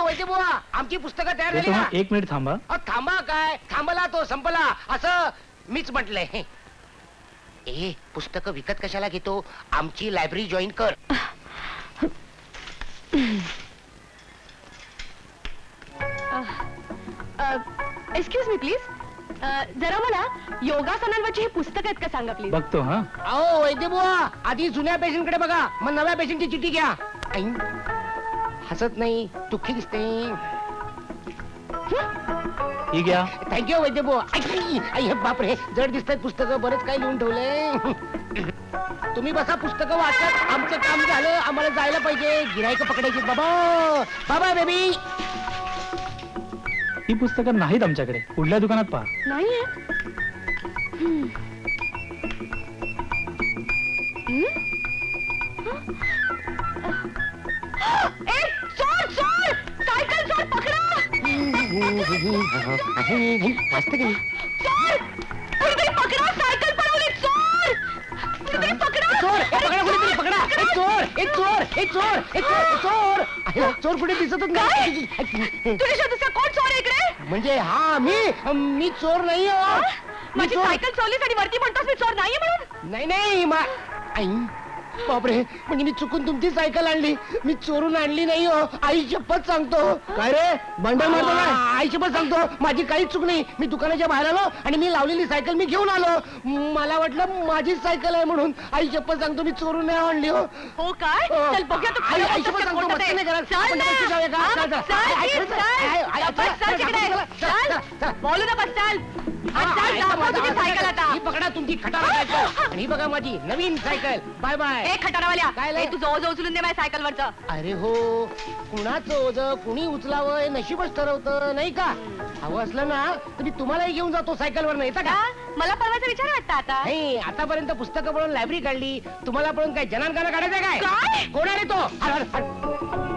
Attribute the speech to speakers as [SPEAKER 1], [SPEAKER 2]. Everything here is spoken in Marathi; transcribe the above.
[SPEAKER 1] वैद्य बुवा, आमची पुस्तकं तयार झाली
[SPEAKER 2] येतो
[SPEAKER 1] ना?
[SPEAKER 2] हा, 1 मिनिट थांबा.
[SPEAKER 1] थांबा काय, थांबला तो संपला असं मीच म्हटलंय. ए पुस्तकं विकत कशाला घेतो, आमची लायब्ररी जॉईन कर.
[SPEAKER 3] एक्सक्यूज मी प्लीज, जरा मला योगासनांवरची ही पुस्तक आहेत का सांगा प्लीज.
[SPEAKER 2] बघतो हा.
[SPEAKER 1] अहो वैद्य बुवा, आधी जुन्या पेशंट कडे बघा, मग नव्या पेशंटची चिठ्ठी घ्या. आई, हसत नाही, दुःखी दिसते.
[SPEAKER 2] ही घ्या.
[SPEAKER 1] थँक्यू वैद्य बुवा. आई बापरे, जड दिसतात पुस्तकं, बरंच काही लिहून ठेवलंय. तुम्ही बसा, पुस्तकं वाचत, आमचं काम झालं, आम्हाला जायला पाहिजे. गिरायक पकडायची. बाबा बाबा बेबी.
[SPEAKER 2] ही पुस्तकं नाहीत आमच्याकडे, पुढल्या दुकानात पहा.
[SPEAKER 3] नाहीये. चोर चोर, सायकल चोर पकडा.
[SPEAKER 1] वाचतं की
[SPEAKER 3] चोर, कोणीतरी पकडा, सायकल पळवली. चोर, कोणीतरी पकडा.
[SPEAKER 1] चोर, पकडा, कोणीतरी पकडा. एक चोर, एक चोर, एक चोर, एक चोर, चोर. चोर कुठे दिसतच नाही.
[SPEAKER 3] तुझ्या शोधूचा कोण चोर आहे इकडे?
[SPEAKER 1] म्हणजे हा मी चोर नाही हो. मी
[SPEAKER 3] माझी
[SPEAKER 1] चोर
[SPEAKER 3] सायकल चोरलीस आणि वरती म्हणतोस मी चोर नाहीये म्हणून?
[SPEAKER 1] नाही नाही. आई बापरे, म्हणजे मी चुकून तुमची सायकल आणली, मी चोरून आणली नाही हो. आई शपथ सांगतो. काय रे बंडल मारतो काय? आई शपथ सांगतो, माझी काहीच चूक नाही. मी दुकानाच्या बाहेर आलो आणि मी लावलेली सायकल मी घेऊन आलो. मला वाटलं माझीच सायकल आहे म्हणून. आई शपथ सांगतो, मी चोरून नाही आणली हो.
[SPEAKER 3] हो काय? चल बघूया तू
[SPEAKER 1] आई
[SPEAKER 3] खरं
[SPEAKER 1] शपथ
[SPEAKER 3] बोलतोस का
[SPEAKER 1] सांगतो,
[SPEAKER 3] खोटं
[SPEAKER 1] मस्ती
[SPEAKER 3] ते.
[SPEAKER 1] नाही करत.
[SPEAKER 3] चल
[SPEAKER 1] आपण
[SPEAKER 3] ना.
[SPEAKER 1] डबल जाऊया का?
[SPEAKER 3] हा,
[SPEAKER 1] चल, चल.
[SPEAKER 3] चल,
[SPEAKER 1] आई,
[SPEAKER 3] चल,
[SPEAKER 1] चल,
[SPEAKER 3] चल.
[SPEAKER 1] आई, आई,
[SPEAKER 3] डबल चल तिकडे.
[SPEAKER 1] चल,
[SPEAKER 3] चल. बोलू नका, चल. आणि चल, दाखव तुझी सायकल आता.
[SPEAKER 1] ही पकडा तुमची खटारा सायकल, आणि ही बघा माझी नवीन सायकल. Bye bye.
[SPEAKER 3] ए खटारावाल्या,
[SPEAKER 1] काय लय?
[SPEAKER 3] ए, तू जवळ उचलून दे माझ्या सायकलवरचं.
[SPEAKER 1] अरे हो, कुणाचं ओझ कुणी उचलावं हे नशीबच ठरवतं, नाही का? हवं असलं ना तर मी तुम्हालाही घेऊन जातो सायकलवर, नाही का?
[SPEAKER 3] का? मला परवाचा विचार वाटतं आता.
[SPEAKER 1] नाही, आतापर्यंत पुस्तकं पळून लायब्ररी काढली, तुम्हाला पळून काय जनानकाना काढायचं काय?
[SPEAKER 3] काय?
[SPEAKER 1] कोण आहे तो? हट, हट, हट.